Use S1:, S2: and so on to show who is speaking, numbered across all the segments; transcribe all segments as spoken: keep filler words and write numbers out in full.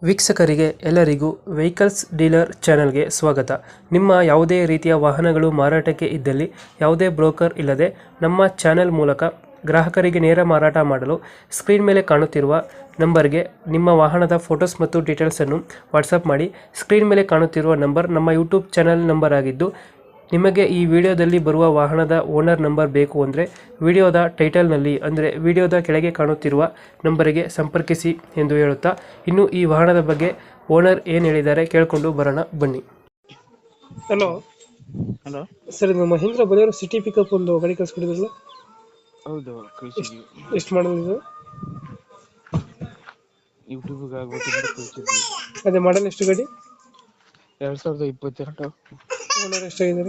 S1: ವೀಕ್ಷಕರಿಗೆ ಎಲ್ಲರಿಗೂ vehicles dealer ಚಾನೆಲ್ಗೆ ಸ್ವಾಗತ. ನಿಮ್ಮ ಯಾವುದೇ ರೀತಿಯ ವಾಹನಗಳು ಮಾರಾಟಕ್ಕೆ ಇದ್ದಲ್ಲಿ ಯಾವುದೇ ಬ್ರೋಕರ್ ಇಲ್ಲದೆ ನಮ್ಮ ಚಾನೆಲ್ ಮೂಲಕ ಗ್ರಾಹಕರಿಗೆ ನೇರ ಮಾರಾಟ ಮಾಡಲು ಸ್ಕ್ರೀನ್ ಮೇಲೆ ಕಾಣುತ್ತಿರುವ ನಂಬರ್ಗೆ ನಿಮ್ಮ ವಾಹನದ ಫೋಟೋಸ್ ಮತ್ತು ಡೀಟೇಲ್ಸನ್ನು ವಾಟ್ಸಪ್ ಮಾಡಿ. ಸ್ಕ್ರೀನ್ ಮೇಲೆ ಕಾಣುತ್ತಿರುವ ನಂಬರ್ ನಮ್ಮ ಯೂಟ್ಯೂಬ್ ಚಾನೆಲ್ ನಂಬರ್ ಆಗಿದ್ದು, ನಿಮಗೆ ಈ ವಿಡಿಯೋದಲ್ಲಿ ಬರುವ ವಾಹನದ ಓನರ್ ನಂಬರ್ ಬೇಕು ಅಂದರೆ ವಿಡಿಯೋದ ಟೈಟಲ್ನಲ್ಲಿ ಅಂದರೆ ವಿಡಿಯೋದ ಕೆಳಗೆ ಕಾಣುತ್ತಿರುವ ನಂಬರಿಗೆ ಸಂಪರ್ಕಿಸಿ ಎಂದು ಹೇಳುತ್ತಾ, ಇನ್ನು ಈ ವಾಹನದ ಬಗ್ಗೆ ಓನರ್ ಏನು ಹೇಳಿದ್ದಾರೆ ಕೇಳಿಕೊಂಡು ಬರೋಣ ಬನ್ನಿ. ಹಲೋ
S2: ಹಲೋ
S1: ಸರ್, ಇದು ಮಹೀಂದ್ರ ಬಲೇರೋ ಸಿಟಿ ಪಿಕಪ್ ಒಂದು ಗಾಡಿ ಕಳಿಸ್ಕೊಡಿದ್ರಲ್ಲ,
S2: ಹೌದು ಕಳಿಸಿದ್ವಿ.
S1: ಎಷ್ಟು ಮಾಡಲ್ ಇದು?
S2: ಯೂಟ್ಯೂಬ್ಗೆ ಆಗ್ಬೇಕಂತ ಕಳಿಸಿದ್ವಿ.
S1: ಅದೇ ಮಾಡಲ್ ಎಷ್ಟು ಗಾಡಿ?
S2: ಎರಡ್ ಸಾವಿರದ ಇಪ್ಪತ್ತೆರಡು.
S1: ಓನರ್ ಎಷ್ಟಾಗಿದ್ದಾರೆ?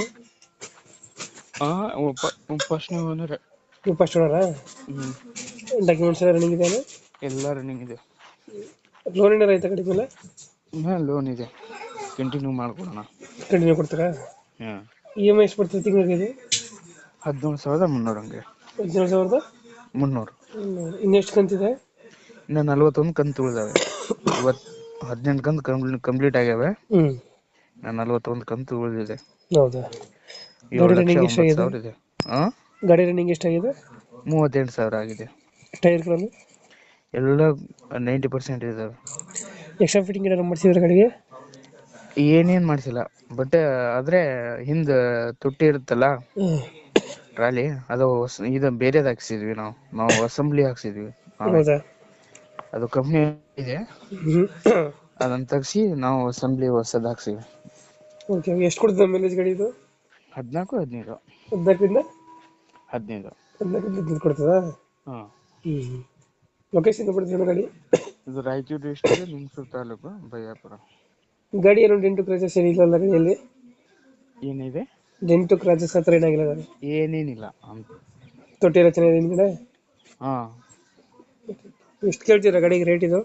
S2: ಹಾಂ ಫಸ್ಟ್ನೇ ಓನರ್.
S1: ನೀವು ಫಸ್ಟ್ ಓನರಾ?
S2: ಹ್ಞೂ
S1: ಡಾಕ್ಯುಮೆಂಟ್ಸ್ ಎಲ್ಲ ರನ್ನಿಂಗ್ ಇದೆ?
S2: ಎಲ್ಲ ರನ್ನಿಂಗ್ ಇದೆ.
S1: ಲೋನ್ ಏನಾರ ಆಯ್ತಾ ಗಾಡಿ ಮೇಲೆ?
S2: ಹಾಂ ಲೋನ್ ಇದೆ, ಕಂಟಿನ್ಯೂ ಮಾಡ್ಕೊಡೋಣ.
S1: ಕಂಟಿನ್ಯೂ ಕೊಡ್ತೀರಾ?
S2: ಹಾಂ.
S1: ಇ ಎಮ್ ಐ ಎಷ್ಟು ಬರ್ತದೆ ತಿಂಗಳಿಗೆ ಇದು?
S2: ಹದಿನೇಳು ಸಾವಿರದ ಮುನ್ನೂರು ಹಂಗೆ.
S1: ಹದಿನೇಳು ಸಾವಿರದ
S2: ಮುನ್ನೂರು.
S1: ಇನ್ನೆಷ್ಟು ಕಂತಿದೆ?
S2: ಇನ್ನು ನಲ್ವತ್ತೊಂದು ಕಂತು ಉಳಿದಾವೆ. ಇವತ್ತು ಹದಿನೆಂಟು ಕಂತು ಕಂಪ್ಲೀಟ್ ಕಂಪ್ಲೀಟ್ ಆಗ್ಯಾವೆ.
S1: ಹ್ಞೂ.
S2: ನಾನು ನಲ್ವತ್ತೊಂದು ಕಂತು ಉಳಿದಿದೆ.
S1: ಹೌದಾ?
S2: ಏಳು ಲಕ್ಷ ಒಂಬತ್ತು ಸಾವಿರ ಇದೆ. ಹಾಂ,
S1: ಗಾಡಿ ರನ್ನಿಂಗ್ ಎಷ್ಟಾಗಿದೆ?
S2: ಮೂವತ್ತೆಂಟು ಸಾವಿರ ಆಗಿದೆ.
S1: ಟೈರ್ಗಳನ್ನು
S2: ಎಲ್ಲ ನೈಂಟಿ ಪರ್ಸೆಂಟ್ ಇದ್ದಾವೆ.
S1: ಎಕ್ಸ್ಟ್ರಾ ಫಿಟ್ಟಿಂಗ್ ಏನಾರು ಮಾಡಿಸಿದ್ರೆ ಗಾಡಿಗೆ?
S2: ಏನೇನು ಮಾಡಿಸಿಲ್ಲ, ಬಟ್ ಆದರೆ ಹಿಂದೆ ತುಟ್ಟಿ ಇರುತ್ತಲ್ಲ ಟ್ರಾಲಿ, ಅದು ಹೊಸ ಇದು ಬೇರೆದು ಹಾಕ್ಸಿದ್ವಿ. ನಾವು ನಾವು ಅಸೆಂಬ್ಲಿ ಹಾಕ್ಸಿದ್ವಿ.
S1: ಹೌದಾ?
S2: ಅದು ಕಂಪ್ನಿ ಇದೆ, ಅದನ್ನ ತೆಗ್ಸಿ ನಾವು ಅಸೆಂಬ್ಲಿ ಹೊಸದು ಹಾಕ್ಸಿವಿ.
S1: ಓಕೆ, ಎಷ್ಟು ಕೊಡ್ತದೆ ಮೈಲೇಜ್ ಗಾಡಿ ಇದು?
S2: ಹದಿನಾಲ್ಕು ಹದಿನೈದು.
S1: ಹದಿನಾಲ್ಕರಿಂದ
S2: ಹದಿನೈದು.
S1: ಹದಿನಾಲ್ಕರಿಂದ ಹದಿನೈದು ಕೊಡ್ತದಾ?
S2: ಹಾಂ.
S1: ಹ್ಞೂ. ಲೊಕೇಶನ್ ಕೊಡ್ತೀವಿ ಗಾಡಿ?
S2: ಇದು ರಾಯಚೂರು ಡಿಸ್ಟ್ರಿಕ್ಟ್, ಲಿಂಗಸೂರು ತಾಲೂಕು, ಬಯ್ಯಾಪುರ.
S1: ಗಾಡಿ ಏನು ಡೆಂಟು ಕ್ರಾಚಸ್ ಏನಿಲ್ಲ ಗಾಡಿಯಲ್ಲಿ?
S2: ಏನಿದೆ?
S1: ಡೆಂಟು ಕ್ರಾಚಸ್ ಹತ್ರ ಏನಾಗಿಲ್ಲ ಗಾಡಿ?
S2: ಏನೇನಿಲ್ಲ ಅಂತ.
S1: ತೊಟ್ಟಿ ಎಲ್ಲ ಚೆನ್ನಾಗಿದೆ ಹಿಂದ್ಗಡೆ?
S2: ಹಾಂ.
S1: ಎಷ್ಟು ಕೇಳ್ತೀರಾ ಗಾಡಿಗೆ ರೇಟ್ ಇದು?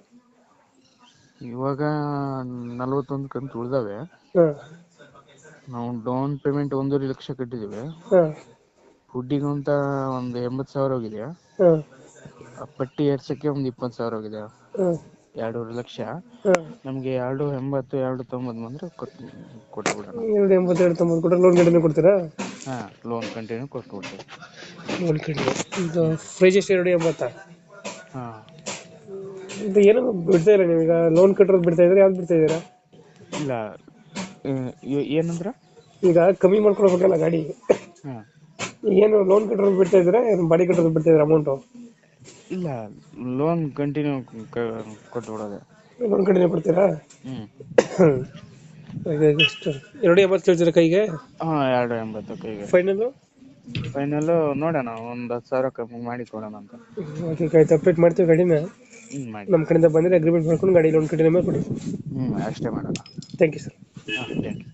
S2: ಇವಾಗ ನಲ್ವತ್ತೊಂದು ಕಂತು ಉಳಿದಾವೆ.
S1: ಹಾಂ.
S2: ನಾವು ಡೌನ್ ಪೇಮೆಂಟ್ ಒಂದೂವರೆ ಲಕ್ಷ ಕಟ್ಟಿದ್ದೀವಿ.
S1: ಹಾಂ.
S2: ಫುಡ್ಡಿಗೆ ಅಂತ ಒಂದು ಎಂಬತ್ತು ಸಾವಿರ ಹೋಗಿದೆ.
S1: ಹಾಂ.
S2: ಪಟ್ಟಿ ಏರ್ಸಕ್ಕೆ ಒಂದು ಇಪ್ಪತ್ತು ಸಾವಿರ ಹೋಗಿದೆ.
S1: ಹಾಂ.
S2: ಎರಡೂವರೆ ಲಕ್ಷ.
S1: ಹಾಂ.
S2: ನಮಗೆ ಎರಡು ಎಂಬತ್ತು ಎರಡು ತೊಂಬತ್ತು ಬಂದರೆ ಕೊಟ್ಟು ಕೊಟ್ಬಿಡೋಣ.
S1: ಎರಡು ಎಂಬತ್ತು ಎರಡು ತೊಂಬತ್ತು ಕೊಟ್ಟರೆ ಲೋನ್ ಕಂಟಿನ್ಯೂ ಕೊಡ್ತೀರಾ?
S2: ಹಾಂ, ಲೋನ್ ಕಂಟಿನ್ಯೂ ಕೊಟ್ಬಿಡ್ತೀವಿ.
S1: Loan continue. ಇದು ಪ್ರೈಸ್ ಎಷ್ಟು? ಎರಡು ಎಂಬತ್ತಾ?
S2: ಹಾಂ.
S1: ಇದು ಏನೋ ಬಿಡ್ತಾ ಇಲ್ಲ ನೀವೀಗ, ಲೋನ್ ಕಟ್ಟಿರೋದು ಬಿಡ್ತಾ ಇದ್ದೀರಾ, ಯಾವ್ದು ಬಿಡ್ತಾ ಇದ್ದೀರಾ?
S2: ಇಲ್ಲ, ಏನಂದ್ರೆ
S1: ಈಗ ಕಮ್ಮಿ ಮಾಡ್ಕೊಳ್ಬೇಕಲ್ಲ ಗಾಡಿ.
S2: ಹಾಂ.
S1: ಏನು ಲೋನ್ ಕಟ್ಟಿರೋದು ಬಿಡ್ತಾ ಇದ್ದೀರಾ, ಏನು ಬಾಡಿ ಕಟ್ಟೋದು ಬಿಡ್ತಾ ಇದ್ದೀರಾ ಅಮೌಂಟು?
S2: ಇಲ್ಲ, ಲೋನ್ ಕಂಟಿನ್ಯೂ ಕೊಟ್ಬಿಡೋದೆ.
S1: ಲೋನ್ ಕಂಟಿನ್ಯೂ ಕೊಡ್ತೀರಾ?
S2: ಹ್ಞೂ.
S1: ಎಷ್ಟು? ಎರಡು ಎಂಬತ್ತು ಕೇಳ್ತೀರಾ ಕೈಗೆ?
S2: ಹಾಂ, ಎರಡು ಎಂಬತ್ತು ಕೈಗೆ.
S1: ಫೈನಲ್ಲು?
S2: ಫೈನಲ್ಲು ನೋಡೋಣ, ಒಂದು ಹತ್ತು ಸಾವಿರ ಕಮ್ಮಿ ಮಾಡಿ ಕೊಡೋಣ ಅಂತ.
S1: ಓಕೆ, ಆಯ್ತು, ಅಪ್ಡೇಟ್ ಮಾಡ್ತೀವಿ ಗಾಡಿನ.
S2: ಹ್ಞೂ ಮಾಡಿ.
S1: ನಮ್ಮ ಕಡೆಯಿಂದ ಬಂದರೆ ಅಗ್ರಿಮೆಂಟ್ ಮಾಡ್ಕೊಂಡು ಗಾಡಿ ಲೋನ್ ಕಂಟಿನ್ಯೂ ಮಾಡಿ ಕೊಡಿ.
S2: ಹ್ಞೂ, ಅಷ್ಟೇ ಮಾಡೋಣ.
S1: Thank you sir.
S2: ಹಾಂ, ಥ್ಯಾಂಕ್ ಯು.